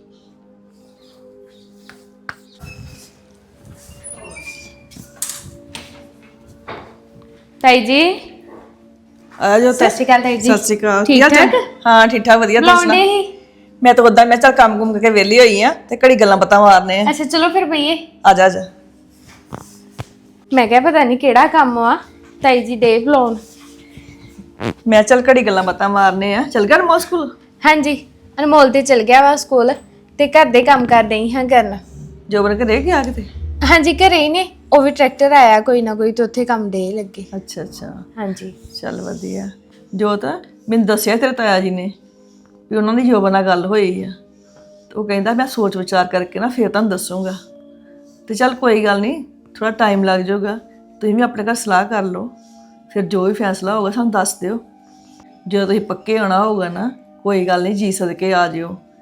Speaker 4: ਤਾਈ ਜੀ
Speaker 5: ਆ ਜੋ
Speaker 4: ਸਤਿ ਸ਼੍ਰੀ ਅਕਾਲ ਤਾਈ ਜੀ।
Speaker 5: ਸਤਿ ਸ਼੍ਰੀ ਅਕਾਲ।
Speaker 4: ਠੀਕ
Speaker 5: ਕੀ ਹਾਲ ਚਾਲ?
Speaker 4: ਠਾਕ?
Speaker 5: ਹਾਂ ਠੀਕ ਠਾਕ, ਵਧੀਆ। ਤੁਸੀਂ
Speaker 4: ਲਾਉਂਦੇ
Speaker 5: ਸੁਣਾਓ?
Speaker 4: ਹੀ।
Speaker 5: ਮੈਂ ਤਾਂ ਉਦਾਂ ਮੈਂ ਚੱਲ ਕੰਮ ਕੁਮ ਕਰਕੇ ਵਿਹਲੀ ਹੋਈ ਆ, ਤੇ ਘੜੀ ਗੱਲਾਂ ਬਾਤਾਂ ਮਾਰਨੇ ਆ।
Speaker 4: ਅੱਛਾ ਚਲੋ ਫਿਰ ਬਈਏ।
Speaker 5: ਆ ਜਾ ਆ ਜਾ।
Speaker 4: ਮੈਂ ਕਿਹਾ ਪਤਾ ਨਹੀਂ ਕਿਹੜਾ ਕੰਮ ਆ, ਤਾਈ ਜੀ ਡੇ ਬੁਲਾਉਣ।
Speaker 5: ਮੈਂ ਚੱਲ ਘੜੀ ਗੱਲਾਂ ਬਾਤਾਂ ਮਾਰਨੇ ਆ। ਚੱਲ ਗਿਆ ਮੋ ਸਕੂਲ?
Speaker 4: ਹਾਂਜੀ, ਅਨਮੋਲ ਤੇ ਚਲ ਗਿਆ ਵਾ ਸਕੂਲ, ਤੇ ਘਰ ਦੇ ਕੰਮ ਕਰ ਰਹੀ ਹਾਂ ਕਰਨ।
Speaker 5: ਜੋਬਨ ਕੇ ਰਹਿ ਗਿਆ ਕਿਤੇ?
Speaker 4: ਹਾਂਜੀ ਘਰੇ ਹੀ ਨੇ, ਉਹ ਵੀ ਟਰੈਕਟਰ ਆਇਆ ਕੋਈ ਨਾ ਕੋਈ, ਤੇ ਉੱਥੇ ਕੰਮ ਦੇ ਲੱਗੇ।
Speaker 5: ਅੱਛਾ ਅੱਛਾ,
Speaker 4: ਹਾਂਜੀ
Speaker 5: ਚੱਲ ਵਧੀਆ। ਜੋਤ ਮੈਨੂੰ ਦੱਸਿਆ ਤੇਰੇ ਤਾਇਆ ਜੀ ਨੇ ਵੀ ਉਹਨਾਂ ਦੀ ਜੋਬਨ ਨਾਲ ਗੱਲ ਹੋਈ ਆ, ਤੇ ਉਹ ਕਹਿੰਦਾ ਮੈਂ ਸੋਚ ਵਿਚਾਰ ਕਰਕੇ ਨਾ ਫਿਰ ਤੁਹਾਨੂੰ ਦੱਸੂਗਾ। ਤੇ ਚੱਲ ਕੋਈ ਗੱਲ ਨਹੀਂ, ਥੋੜਾ ਟਾਈਮ ਲੱਗ ਜਾਊਗਾ, ਤੁਸੀਂ ਵੀ ਆਪਣੇ ਘਰ ਸਲਾਹ ਕਰ ਲਓ, ਫਿਰ ਜੋ ਵੀ ਫੈਸਲਾ ਹੋਊਗਾ ਸਾਨੂੰ ਦੱਸ ਦਿਓ। ਜਦੋਂ ਤੁਸੀਂ ਪੱਕੇ ਆਉਣਾ ਹੋਊਗਾ ਨਾ, ਕੋਈ ਗੱਲ ਨਹੀਂ, ਜੀ ਸਦਕੇ ਆ ਜਿਓ।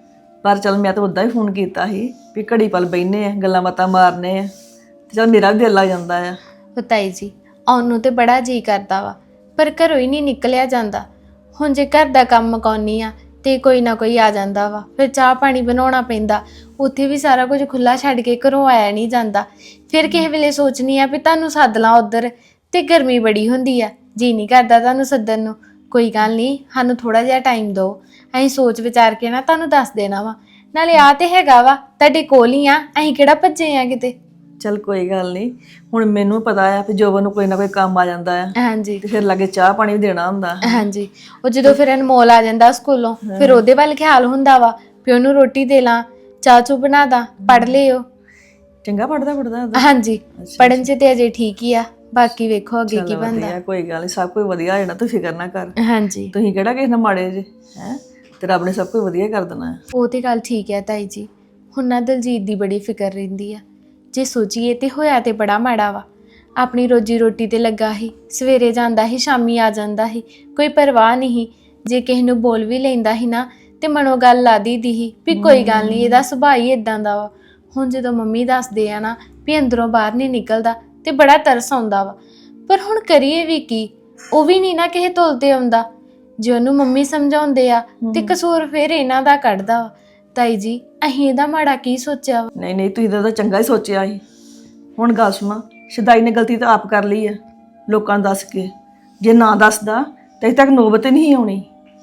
Speaker 5: ਪਰ ਚਲ ਮੈਂ ਤਾਂ ਉਦਾਂ ਹੀ ਫੋਨ ਕੀਤਾ ਸੀ ਵੀ ਘੜੀ ਪਲ ਬੈਠਨੇ ਆ ਗੱਲਾਂ ਬਾਤਾਂ ਮਾਰਨੇ ਆ ਤੇ ਚਲ ਮੇਰਾ ਵੀ ਦਿਲ ਲੱਗ ਜਾਂਦਾ ਆ।
Speaker 4: ਉਹ ਤਾਈ ਜੀ ਆਉਣ ਨੂੰ ਤੇ ਬੜਾ ਜੀ ਕਰਦਾ ਵਾ ਪਰ ਘਰੋਂ ਹੀ ਨਹੀਂ ਨਿਕਲਿਆ ਜਾਂਦਾ। ਹੁਣ ਜੇ ਘਰ ਦਾ ਕੰਮ ਮੁਕਾਉਣੀ ਆ ਤੇ ਕੋਈ ਨਾ ਕੋਈ ਆ ਜਾਂਦਾ ਵਾ, ਫਿਰ ਚਾਹ ਪਾਣੀ ਬਣਾਉਣਾ ਪੈਂਦਾ, ਉੱਥੇ ਵੀ ਸਾਰਾ ਕੁਝ ਖੁੱਲਾ ਛੱਡ ਕੇ ਘਰੋਂ ਆਇਆ ਨਹੀਂ ਜਾਂਦਾ। ਫਿਰ ਕਿਸੇ ਵੇਲੇ ਸੋਚਣੀ ਆ ਵੀ ਤੁਹਾਨੂੰ ਸੱਦ ਲਾਂ ਉੱਧਰ, ਤੇ ਗਰਮੀ ਬੜੀ ਹੁੰਦੀ ਆ, ਜੀ ਨਹੀਂ ਕਰਦਾ ਤੁਹਾਨੂੰ ਸੱਦਣ ਨੂੰ। ਕੋਈ ਗੱਲ ਨਹੀਂ, ਸਾਨੂੰ ਥੋੜਾ ਜਿਹਾ ਟਾਈਮ ਦਿਓ, ਅਸੀਂ ਸੋਚ ਵਿਚਾਰ ਕੇ ਨਾ ਤੁਹਾਨੂੰ ਦੱਸ ਦੇਣਾ ਵਾ। ਨਾਲੇ ਆ ਤੇ ਹੈਗਾ ਵਾ ਤੁਹਾਡੇ ਕੋਲ ਹੀ ਆ, ਅਸੀਂ ਕਿਹੜਾ ਭੱਜੇ ਆ ਕਿਤੇ।
Speaker 5: ਚਲ ਕੋਈ ਗੱਲ ਨਹੀਂ, ਹੁਣ ਮੈਨੂੰ ਪਤਾ ਆ ਵੀ ਜੋਬਨ ਨੂੰ ਕੋਈ ਨਾ ਕੋਈ ਕੰਮ ਆ ਜਾਂਦਾ ਆ
Speaker 4: ਹਾਂਜੀ
Speaker 5: ਤੇ ਫਿਰ ਲਾਗੇ ਚਾਹ ਪਾਣੀ ਵੀ ਦੇਣਾ ਹੁੰਦਾ।
Speaker 4: ਹਾਂਜੀ, ਉਹ ਜਦੋਂ ਫਿਰ ਅਨਮੋਲ ਆ ਜਾਂਦਾ ਸਕੂਲੋਂ, ਫਿਰ ਉਹਦੇ ਵੱਲ ਖਿਆਲ ਹੁੰਦਾ ਵਾ ਵੀ ਉਹਨੂੰ ਰੋਟੀ ਦੇ ਲਾਂ, ਚਾਹ ਚੂ ਬਣਾ ਦਾਂ, ਪੜ ਲਿਓ।
Speaker 5: ਚੰਗਾ ਪੜਦਾ ਪੜਦਾ
Speaker 4: ਹਾਂਜੀ, ਪੜਨ ਚ ਤੇ ਅਜੇ ਠੀਕ ਹੀ ਆ, ਬਾਕੀ ਵੇਖੋ ਅੱਗੇ ਕੀ ਬਣਦਾ।
Speaker 5: ਕੋਈ ਗੱਲ ਨਹੀਂ, ਸਭ ਕੁਝ ਵਧੀਆ ਹੋ ਜਾਣਾ, ਤੂੰ ਫਿਕਰ ਨਾ ਕਰ।
Speaker 4: ਹਾਂਜੀ,
Speaker 5: ਤੁਸੀਂ ਕਿਹੜਾ ਕਿਸੇ ਨਾਲ ਮਾੜੇ ਜੇ ਹੈ, ਤੇ ਰੱਬ ਨੇ ਸਭ ਕੁਝ ਵਧੀਆ ਕਰ ਦੇਣਾ ਹੈ।
Speaker 4: ਉਹ ਤੇ ਗੱਲ ਠੀਕ ਹੈ ਤਾਈ ਜੀ। ਹੁਣ ਨਾ ਦਲਜੀਤ ਦੀ ਬੜੀ ਫਿਕਰ ਰਹਿੰਦੀ ਆ, ਜੇ ਸੋਚੀਏ ਤੇ ਹੋਇਆ ਤੇ ਬੜਾ ਮਾੜਾ ਵਾ। ਆਪਣੀ ਰੋਜੀ ਰੋਟੀ ਤੇ ਲੱਗਾ ਸੀ, ਸਵੇਰੇ ਜਾਂਦਾ ਸੀ ਸ਼ਾਮੀ ਆ ਜਾਂਦਾ ਸੀ, ਕੋਈ ਪਰਵਾਹ ਨਹੀਂ। ਜੇ ਕਿਸੇ ਨੂੰ ਬੋਲ ਵੀ ਲੈਂਦਾ ਸੀ ਨਾ ਤੇ ਮਨੋਂ ਗੱਲ ਲਾ ਦੀਦੀ ਸੀ ਵੀ ਕੋਈ ਗੱਲ ਨਹੀਂ, ਇਹਦਾ ਸੁਭਾਅ ਹੀ ਇਦਾਂ ਦਾ ਵਾ। ਹੁਣ ਜਦੋਂ ਮੰਮੀ ਦੱਸਦੇ ਆ ਨਾ ਵੀ ਅੰਦਰੋਂ ਬਾਹਰ ਨਹੀਂ ਨਿਕਲਦਾ ਤੇ ਬੜਾ ਤਰਸ ਆਉਂਦਾ ਵਾ। ਪਰ ਹੁਣ ਕਰੀਏ ਵੀ ਕੀ, ਉਹ ਵੀ ਨਹੀਂ ਨਾ ਕਿਸੇ ਤੁਲ ਤੇ ਆਉਂਦਾ। ਜੇ ਉਹਨੂੰ ਮੰਮੀ ਸਮਝਾਉਂਦੇ ਆ ਤੇ ਕਸੂਰ ਫਿਰ ਇਹਨਾਂ ਦਾ ਕੱਢਦਾ ਵਾ। ਤਾਈ ਜੀ ਅਸੀਂ ਇਹਦਾ ਮਾੜਾ ਕੀ ਸੋਚਿਆ ਵਾ?
Speaker 5: ਨਹੀਂ ਨਹੀਂ, ਤੁਸੀਂ ਤਾਂ ਚੰਗਾ ਹੀ ਸੋਚਿਆ ਸੀ। ਹੁਣ ਗੱਲ ਸੁਣਾ, ਸ਼ਦਾਈ ਨੇ ਗਲਤੀ ਤਾਂ ਆਪ ਕਰ ਲਈ ਆ ਲੋਕਾਂ ਨੂੰ ਦੱਸ ਕੇ। ਜੇ ਨਾ ਦੱਸਦਾ ਤਾਂ ਅਜੇ ਤੱਕ ਨੌਬਤ ਹੀ ਨਹੀਂ ਆਉਣੀ।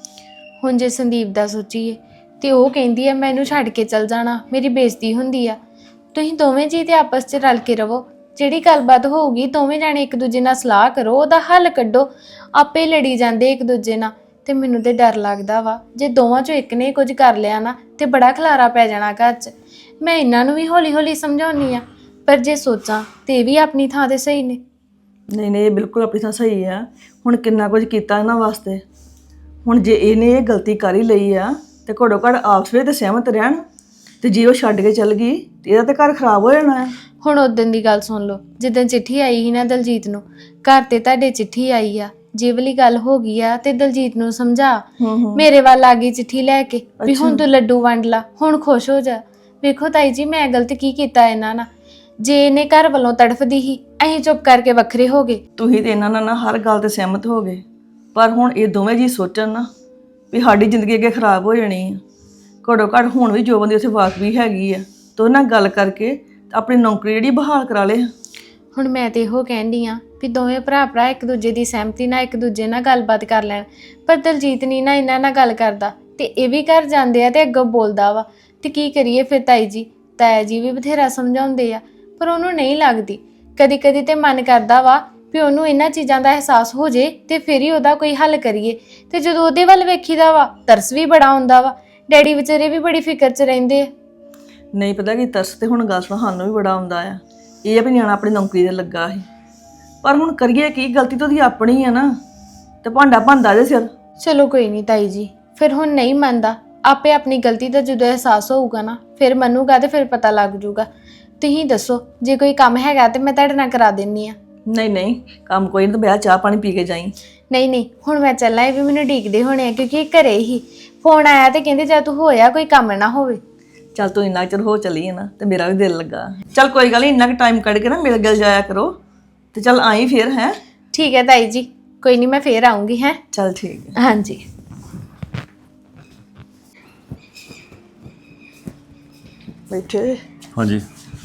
Speaker 4: ਹੁਣ ਜੇ ਸੰਦੀਪ ਦਾ ਸੋਚੀਏ ਤੇ ਉਹ ਕਹਿੰਦੀ ਆ ਮੈਂ ਇਹਨੂੰ ਛੱਡ ਕੇ ਚਲ ਜਾਣਾ, ਮੇਰੀ ਬੇਇੱਜ਼ਤੀ ਹੁੰਦੀ ਆ। ਤੁਸੀਂ ਦੋਵੇਂ ਜੀ ਤੇ ਆਪਸ 'ਚ ਰਲ ਕੇ ਰਵੋ, ਜਿਹੜੀ ਗੱਲਬਾਤ ਹੋਊਗੀ ਦੋਵੇਂ ਜਾਣੇ ਇੱਕ ਦੂਜੇ ਨਾਲ ਸਲਾਹ ਕਰੋ, ਉਹਦਾ ਹੱਲ ਕੱਢੋ। ਆਪੇ ਲੜੀ ਜਾਂਦੇ ਇੱਕ ਦੂਜੇ ਨਾਲ, ਤੇ ਮੈਨੂੰ ਤੇ ਡਰ ਲੱਗਦਾ ਵਾ ਜੇ ਦੋਵਾਂ 'ਚੋਂ ਇੱਕ ਨੇ ਕੁਝ ਕਰ ਲਿਆ ਨਾ ਤੇ ਬੜਾ ਖਲਾਰਾ ਪੈ ਜਾਣਾ ਘਰ 'ਚ। ਮੈਂ ਇਹਨਾਂ ਨੂੰ ਵੀ ਹੌਲੀ ਹੌਲੀ ਸਮਝਾਉਣੀ ਆ, ਪਰ ਜੇ ਸੋਚਾਂ ਤੇ ਇਹ ਵੀ ਆਪਣੀ ਥਾਂ ਤੇ ਸਹੀ ਨੇ।
Speaker 5: ਨਹੀਂ ਨਹੀਂ, ਇਹ ਬਿਲਕੁਲ ਆਪਣੀ ਥਾਂ ਸਹੀ ਆ। ਹੁਣ ਕਿੰਨਾ ਕੁਝ ਕੀਤਾ ਇਹਨਾਂ ਵਾਸਤੇ, ਹੁਣ ਜੇ ਇਹਨੇ ਇਹ ਗਲਤੀ ਕਰ ਹੀ ਲਈ ਆ ਤੇ ਘੱਟੋ ਘੱਟ ਆਪਸ ਵਿੱਚ ਤੇ ਸਹਿਮਤ ਰਹਿਣ। ਤੇ ਜੇ ਉਹ ਛੱਡ ਕੇ ਚੱਲ ਗਈ ਤੇ ਇਹਦਾ ਤੇ ਘਰ ਖਰਾਬ ਹੋ ਜਾਣਾ ਹੈ।
Speaker 4: ਹੁਣ ਉਦੋਂ ਦੀ ਗੱਲ ਸੁਣ ਲਓ, ਜਿੱਦਾਂ ਚਿੱਠੀ ਆਈ ਸੀ ਨਾ ਦਲਜੀਤ ਨੂੰ, ਘਰ ਤੇ ਤੁਹਾਡੇ ਚਿੱਠੀ ਆਈ ਆ, ਜੇ ਵਾਲੀ ਗੱਲ ਹੋ ਗਈ ਆ ਤੇ ਦਲਜੀਤ ਨੂੰ ਸਮਝਾ। ਮੇਰੇ ਵੱਲ ਆ ਗਈ ਚਿੱਠੀ ਲੈ ਕੇ ਵੀ ਹੁਣ ਤੂੰ ਲੱਡੂ ਵੰਡ ਲਾ, ਹੁਣ ਖੁਸ਼ ਹੋ ਜਾ। ਵੇਖੋ ਤਾਈ ਜੀ ਮੈਂ ਗਲਤ ਕੀ ਕੀਤਾ ਇਹਨਾਂ ਨਾਲ। ਜੇ ਇਹਨੇ ਘਰ ਵੱਲੋਂ ਤੜਫਦੀ ਸੀ, ਅਸੀਂ ਚੁੱਪ ਕਰਕੇ ਵੱਖਰੇ ਹੋ ਗਏ।
Speaker 5: ਤੁਸੀਂ ਤੇ ਇਹਨਾਂ ਨਾਲ ਨਾ ਹਰ ਗੱਲ ਤੇ ਸਹਿਮਤ ਹੋ ਗਏ, ਪਰ ਹੁਣ ਇਹ ਦੋਵੇਂ ਜੀ ਸੋਚਣ ਨਾ ਵੀ ਸਾਡੀ ਜ਼ਿੰਦਗੀ ਅੱਗੇ ਖਰਾਬ ਹੋ ਜਾਣੀ ਆ। ਘੱਟੋ ਘੱਟ ਹੁਣ ਵੀ ਜੋਬਨ ਦੀ ਉੱਥੇ ਵਾਕ ਵੀ ਹੈਗੀ ਆ, ਤੇ ਉਹਨਾਂ ਨਾਲ ਗੱਲ ਕਰਕੇ ਆਪਣੀ ਨੌਕਰੀ ਜਿਹੜੀ ਬਹਾਲ ਕਰਾ ਲੇ।
Speaker 4: ਹੁਣ ਮੈਂ ਤੇ ਇਹੋ ਕਹਿੰਦੀ ਆ ਵੀ ਦੋਵੇਂ ਭਰਾ ਭਰਾ ਇੱਕ ਦੂਜੇ ਦੀ ਸਹਿਮਤੀ ਨਾਲ ਇੱਕ ਦੂਜੇ ਨਾਲ ਗੱਲਬਾਤ ਕਰ ਲੈਣ। ਪਰ ਦਲਜੀਤ ਨਹੀਂ ਨਾ ਇਹਨਾਂ ਨਾਲ ਗੱਲ ਕਰਦਾ, ਤੇ ਇਹ ਵੀ ਘਰ ਜਾਂਦੇ ਆ ਤੇ ਅੱਗੋਂ ਬੋਲਦਾ ਵਾ। ਤੇ ਕੀ ਕਰੀਏ ਫਿਰ ਤਾਈ ਜੀ? ਤਾਇਆ ਜੀ ਵੀ ਬਥੇਰਾ ਸਮਝਾਉਂਦੇ ਆ ਪਰ ਉਹਨੂੰ ਨਹੀਂ ਲੱਗਦੀ। ਕਦੀ ਕਦੀ ਤੇ ਮਨ ਕਰਦਾ ਵਾ ਵੀ ਉਹਨੂੰ ਇਹਨਾਂ ਚੀਜ਼ਾਂ ਦਾ ਅਹਿਸਾਸ ਹੋ ਜੇ ਤੇ ਫਿਰ ਹੀ ਉਹਦਾ ਕੋਈ ਹੱਲ ਕਰੀਏ। ਤੇ ਜਦੋਂ ਉਹਦੇ ਵੱਲ ਵੇਖੀਦਾ ਵਾ ਤਰਸ ਵੀ ਬੜਾ ਆਉਂਦਾ ਵਾ। ਡੈਡੀ ਵਿਚਾਰੇ ਵੀ ਬੜੀ ਫਿਕਰ 'ਚ ਰਹਿੰਦੇ ਆ।
Speaker 5: ਨਹੀਂ ਪਤਾ ਕੀ ਤਰਸ ਤੇ ਹੁਣ ਗੱਲ ਸੁਣ ਸਾਨੂੰ ਵੀ ਬੜਾ ਆਉਂਦਾ ਆ। ਇਹ ਆ ਵੀ ਨਿਆਣਾ ਆਪਣੀ ਨੌਕਰੀ ਤੇ ਲੱਗਾ ਸੀ, ਪਰ ਹੁਣ ਕਰੀਏ ਕੀ, ਗਲਤੀ ਤਾਂ ਉਹਦੀ ਆਪਣੀ ਆ ਨਾ, ਤੇ ਭਾਂਡਾ ਭੰਦਾ ਜੇ ਸਿਰ।
Speaker 4: ਚਲੋ ਕੋਈ ਨਹੀਂ ਤਾਈ ਜੀ, ਫਿਰ ਹੁਣ ਨਹੀਂ ਮੰਨਦਾ, ਆਪੇ ਆਪਣੀ ਗਲਤੀ ਦਾ ਜਦੋਂ ਅਹਿਸਾਸ ਹੋਊਗਾ ਨਾ ਫਿਰ ਮੰਨੂਗਾ ਤੇ ਫਿਰ ਪਤਾ ਲੱਗ ਜੂਗਾ। ਤੁਸੀਂ ਦੱਸੋ ਜੇ ਕੋਈ ਕੰਮ ਹੈਗਾ ਤੇ ਮੈਂ ਤੁਹਾਡੇ ਨਾਲ ਕਰਾ ਦਿੰਨੀ ਆ।
Speaker 5: ਨਹੀਂ ਨਹੀਂ, ਕੰਮ ਕੋਈ ਨਹੀਂ, ਤਾਂ ਬਿਆ ਚਾਹ ਪਾਣੀ ਪੀ ਕੇ ਜਾਈਂ।
Speaker 4: ਨਹੀਂ ਨਹੀਂ, ਹੁਣ ਮੈਂ ਚੱਲਾਂ, ਇਹ ਵੀ ਮੈਨੂੰ ਡੀਕਦੇ ਹੋਣੇ ਆ ਕਿਉਂਕਿ ਇਹ ਘਰੇ ਹੀ ਫੋਨ ਆਇਆ ਤੇ ਕਹਿੰਦੇ ਜਾਂ ਤੂੰ ਹੋਇਆ ਕੋਈ ਕੰਮ ਨਾ ਹੋਵੇ।
Speaker 5: ਚੱਲ ਤੂੰ ਇੰਨਾ ਚਿਰ ਹੋ ਚਲੀ ਹੈ ਨਾ ਤੇ ਮੇਰਾ ਵੀ ਦਿਲ ਲੱਗਾ। ਚੱਲ ਕੋਈ ਗੱਲ ਨਹੀਂ, ਇੰਨਾ ਕੁ ਟਾਈਮ ਕੱਢ ਕੇ ਨਾ ਮਿਲ ਗਿਲ ਜਾਇਆ ਕਰੋ। ਤੇ ਚੱਲ ਆਈ ਫਿਰ ਹੈ।
Speaker 4: ਠੀਕ ਹੈ ਤਾਈ ਜੀ, ਕੋਈ ਨਹੀਂ ਮੈਂ ਫੇਰ ਆਉਂਗੀ। ਹੈ
Speaker 5: ਚੱਲ ਠੀਕ ਹੈ।
Speaker 4: ਹਾਂਜੀ।
Speaker 5: ਬੈਠੇ
Speaker 2: ਹਾਂਜੀ।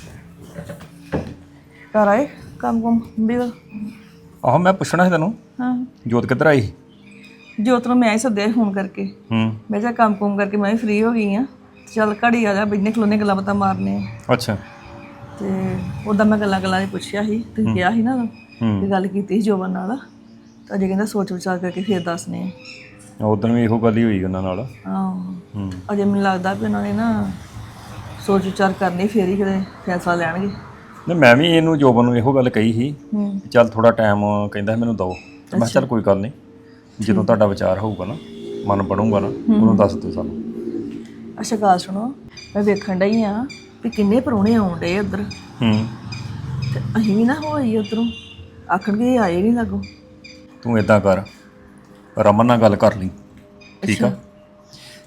Speaker 5: ਘਰ ਆਏ ਕੰਮ ਕੁਮ ਵੀ?
Speaker 2: ਆਹੋ ਮੈਂ ਪੁੱਛਣਾ ਸੀ ਤੈਨੂੰ,
Speaker 5: ਹਾਂ
Speaker 2: ਜੋਤ ਕਿੱਧਰ ਆਈ?
Speaker 5: ਜੋਤ ਨੂੰ ਮੈਂ ਹੀ ਸੱਦਿਆ ਫੋਨ ਕਰਕੇ।
Speaker 2: ਹੂੰ।
Speaker 5: ਮੈਂ ਕਿਹਾ ਕੰਮ ਕੁਮ ਕਰਕੇ ਮੈਂ ਵੀ ਫ੍ਰੀ ਹੋ ਗਈ ਆ, ਚੱਲ ਘੜੀ ਆ ਜਾ, ਬਿਜਨੇ ਖਲੋਨੇ ਗੱਲਾਂ ਬਾਤਾਂ ਮਾਰਨੇ ਆ।
Speaker 2: ਅੱਛਾ।
Speaker 5: ਤੇ ਉਹਦਾ ਮੈਂ ਗੱਲਾਂ ਗੱਲਾਂ 'ਚ ਪੁੱਛਿਆ ਸੀ, ਤੁਸੀਂ ਕਿਹਾ ਸੀ ਨਾ ਕਿ ਗੱਲ ਕੀਤੀ ਸੀ ਜੋਬਨ ਨਾਲ, ਤਾਂ ਅਜੇ ਕਹਿੰਦਾ ਸੋਚ ਵਿਚਾਰ ਕਰਕੇ ਫਿਰ ਦੱਸਨੇ ਆ।
Speaker 2: ਉਦੋਂ ਵੀ ਇਹੋ ਗੱਲ ਹੀ ਹੋਈ ਉਹਨਾਂ ਨਾਲ।
Speaker 5: ਆਹੋ।
Speaker 2: ਹੂੰ।
Speaker 5: ਅਜੇ ਮੈਨੂੰ ਲੱਗਦਾ ਵੀ ਉਹਨਾਂ ਨੇ ਨਾ ਸੋਚ ਵਿਚਾਰ ਕਰਨੀ ਫਿਰ ਹੀ ਕਿਤੇ ਫੈਸਲਾ ਲੈਣਗੇ।
Speaker 2: ਨਹੀਂ ਮੈਂ ਵੀ ਇਹਨੂੰ ਜੋਬਨ ਨੂੰ ਇਹੋ ਗੱਲ ਕਹੀ ਸੀ,
Speaker 5: ਹੂੰ।
Speaker 2: ਚੱਲ ਥੋੜਾ ਟਾਈਮ ਕਹਿੰਦਾ ਮੈਨੂੰ ਦਿਓ। ਮੈਂ ਕਿਹਾ ਚੱਲ ਕੋਈ ਗੱਲ ਨਹੀਂ, ਜਦੋਂ ਤੁਹਾਡਾ ਵਿਚਾਰ ਹੋਊਗਾ ਨਾ, ਮਨ ਬਣੂਗਾ ਨਾ, ਉਹਨੂੰ ਦੱਸ ਦਿਓ ਸਾਨੂੰ।
Speaker 5: ਅੱਛਾ ਗੱਲ ਸੁਣੋ, ਮੈਂ ਵੇਖਣ ਡਈ ਆ ਵੀ ਕਿੰਨੇ ਪ੍ਰਾਹੁਣੇ ਆਉਣ ਡੇ ਉੱਧਰ,
Speaker 2: ਹੂੰ।
Speaker 5: ਤੇ ਅਸੀਂ ਵੀ ਨਾ ਹੋਈ ਉੱਧਰੋਂ, ਆਖਣਗੇ ਇਹ ਆਏ ਨਹੀਂ ਲੱਗੋ।
Speaker 2: ਤੂੰ ਇਦਾਂ ਕਰ, ਰਮਨ ਨਾਲ ਗੱਲ ਕਰ ਲਈ, ਠੀਕ ਆ?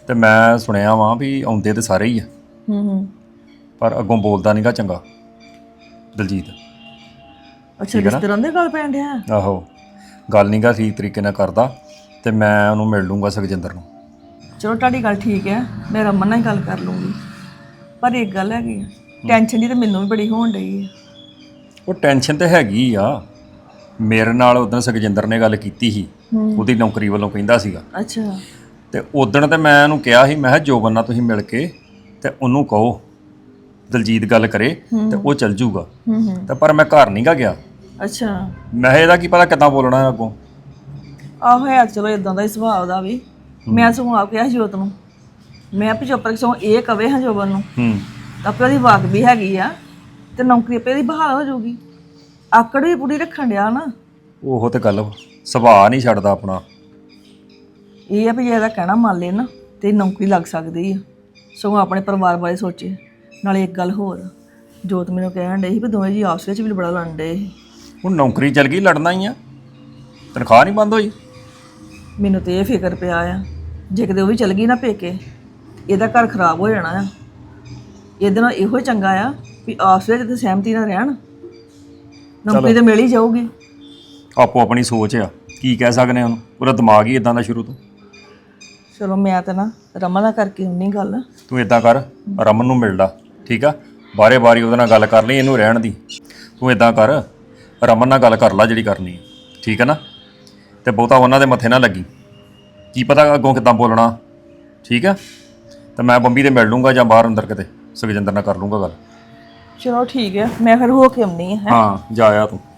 Speaker 6: ਤੇ ਮੈਂ ਸੁਣਿਆ ਵਾਂ ਵੀ ਆਉਂਦੇ ਤੇ ਸਾਰੇ ਹੀ ਆ,
Speaker 5: ਹੂੰ ਹੂੰ
Speaker 6: ਪਰ ਅੱਗੋਂ ਬੋਲਦਾ ਨਹੀਂਗਾ ਚੰਗਾ ਦਲਜੀਤ।
Speaker 5: ਅੱਛਾ ਰਿਸ਼ਤੇਦਾਰਾਂ ਦੇ ਗੱਲ ਪੈਣ ਡਿਆ।
Speaker 6: ਆਹੋ, ਗੱਲ ਨਹੀਂਗਾ ਠੀਕ ਤਰੀਕੇ ਨਾਲ ਕਰਦਾ, ਤੇ ਮੈਂ ਉਹਨੂੰ ਮਿਲ ਲੂੰਗਾ ਸੁਖਜਿੰਦਰ ਨੂੰ।
Speaker 5: ਚਲੋ ਤੁਹਾਡੀ ਗੱਲ ਠੀਕ ਹੈ, ਮੈਂ ਰਮਨ ਨਾਲ ਹੀ ਗੱਲ ਕਰ ਲੂੰਗੀ। ਪਰ ਇੱਕ ਗੱਲ ਹੈਗੀ ਆ, ਟੈਨਸ਼ਨ ਦੀ ਤਾਂ ਮੈਨੂੰ ਵੀ ਬੜੀ ਹੋਣ ਡਈ ਹੈ।
Speaker 6: ਉਹ ਟੈਨਸ਼ਨ ਤੇ ਹੈਗੀ ਆ। ਮੇਰੇ ਨਾਲ ਉਦੋਂ ਸੁਖਜਿੰਦਰ ਨੇ ਗੱਲ ਕੀਤੀ ਸੀ, ਉਹਦੀ ਨੌਕਰੀ ਵੱਲੋਂ ਕਹਿੰਦਾ ਸੀਗਾ।
Speaker 5: ਅੱਛਾ
Speaker 6: ਤੇ ਉਦਣ ਤੇ ਮੈਂ ਉਹਨੂੰ ਕਿਹਾ ਸੀ, ਮੈਂ ਕਿਹਾ ਜੋਬਨ ਨਾਲ ਤੁਸੀਂ ਮਿਲ ਕੇ ਤੇ ਉਹਨੂੰ ਕਹੋ ਦਲਜੀਤ ਗੱਲ ਕਰੇ ਤੇ ਉਹ ਚੱਲ ਜੂਗਾ।
Speaker 5: ਹੂੰ ਹੂੰ
Speaker 6: ਤੇ ਪਰ ਮੈਂ ਘਰ ਨਹੀਂ ਗਾ ਗਿਆ।
Speaker 5: ਅੱਛਾ
Speaker 6: ਮੈਂ ਕਿਹਾ ਇਹਦਾ ਕੀ ਪਤਾ ਕਿੱਦਾਂ ਬੋਲਣਾ ਹੈ ਅੱਗੋਂ।
Speaker 5: ਆਹੋ ਹੈ ਚਲੋ ਇਦਾਂ ਦਾ ਹੀ ਸੁਭਾਅ ਦਾ ਵੀ। ਮੈਂ ਸਗੋਂ ਆਪ ਕਿਹਾ ਸੀ ਜੋਤ ਨੂੰ, ਮੈਂ ਵੀ ਚੁੱਪ ਕਰਕੇ ਸਗੋਂ ਇਹ ਕਵੇ ਹਾਂ ਜੋਬਨ ਨੂੰ
Speaker 6: ਹੂੰ
Speaker 5: ਤਾਂ ਆਪੇ ਉਹਦੀ ਵਾਕ ਵੀ ਹੈਗੀ ਆ ਤੇ ਨੌਕਰੀ ਆਪੇ ਦੀ ਬਹਾਲ ਹੋ ਜਾਊਗੀ। ਆਕੜ ਵੀ ਪੂਰੀ ਰੱਖਣ ਡਿਆ ਨਾ।
Speaker 6: ਉਹ ਤੇ ਗੱਲ ਵਾ। ਸੁਭਾਅ ਨਹੀਂ ਛੱਡਦਾ ਆਪਣਾ।
Speaker 5: ਇਹ ਆ ਵੀ ਜੇ ਇਹਦਾ ਕਹਿਣਾ ਮੰਨ ਲੈ ਨਾ ਤੇ ਨੌਕਰੀ ਲੱਗ ਸਕਦੀ ਆ। ਸਗੋਂ ਆਪਣੇ ਪਰਿਵਾਰ ਬਾਰੇ ਸੋਚੇ। ਨਾਲੇ ਇੱਕ ਗੱਲ ਹੋਰ, ਜੋਤ ਮੈਨੂੰ ਕਹਿਣ ਡੇ ਸੀ ਵੀ ਦੋਵੇਂ ਜੀ ਆਪਸ ਵਿੱਚ ਵੀ ਬੜਾ ਲੜਨ ਡੇ ਸੀ।
Speaker 6: ਹੁਣ ਨੌਕਰੀ ਚੱਲ ਗਈ, ਲੜਨਾ ਹੀ ਆ। ਤਨਖਾਹ ਨਹੀਂ ਬੰਦ ਹੋਈ।
Speaker 5: ਮੈਨੂੰ ਤੇ ਇਹ ਫਿਕਰ ਪਿਆ ਆ, ਜੇ ਕਿਤੇ ਉਹ ਵੀ ਚਲ ਗਈ ਨਾ ਪੇਕੇ, ਇਹਦਾ ਘਰ ਖਰਾਬ ਹੋ ਜਾਣਾ ਆ। ਇਹਦੇ ਨਾਲ ਇਹੋ ਹੀ ਚੰਗਾ ਆ ਵੀ ਆਪਸ ਵਿੱਚ ਤੇ ਸਹਿਮਤੀ ਨਾਲ ਰਹਿਣ। ਨੌਕਰੀ ਤੇ ਮਿਲ ਹੀ ਜਾਊਗੀ।
Speaker 6: ਆਪੋ ਆਪਣੀ ਸੋਚ ਆ, ਕੀ ਕਹਿ ਸਕਦੇ ਆ ਉਹਨੂੰ। ਉਹਦਾ ਦਿਮਾਗ ਹੀ ਇਦਾਂ ਦਾ ਸ਼ੁਰੂ ਤੋਂ।
Speaker 5: ਚਲੋ ਮੈਂ ਤਾਂ ਨਾ ਰਮਨ ਨਾਲ ਕਰਕੇ ਹੁੰਨੀ ਗੱਲ।
Speaker 6: ਤੂੰ ਇਦਾਂ ਕਰ, ਰਮਨ ਨੂੰ ਮਿਲ ਲਾ, ਠੀਕ ਆ। ਬਾਰੇ ਬਾਰੀ ਉਹਦੇ ਨਾਲ ਗੱਲ ਕਰ ਲਈ, ਇਹਨੂੰ ਰਹਿਣ ਦੀ। ਤੂੰ ਇਦਾਂ ਕਰ, ਰਮਨ ਨਾਲ ਗੱਲ ਕਰ ਲਾ ਜਿਹੜੀ ਕਰਨੀ ਹੈ, ਠੀਕ ਹੈ ਨਾ। ਤੇ ਬਹੁਤਾ ਉਹਨਾਂ ਦੇ ਮੱਥੇ ਨਾ ਲੱਗੀ, ਕੀ ਪਤਾ ਅੱਗੋਂ ਕਿੱਦਾਂ ਬੋਲਣਾ, ਠੀਕ ਆ। ਤੇ ਮੈਂ ਬੰਬੀ ਤੇ ਮਿਲ ਲੂੰਗਾ ਜਾਂ ਬਾਹਰ ਅੰਦਰ ਕਿਤੇ ਸੁਖਜਿੰਦਰ ਨਾਲ ਕਰ ਲੂੰਗਾ ਗੱਲ।
Speaker 5: ਚਲੋ ਠੀਕ ਹੈ, ਮੈਂ ਫਿਰ ਹੋ ਕੇ ਆਉਂਦੀ ਹਾਂ।
Speaker 6: ਹਾਂ ਜਾ ਆ ਤੂੰ।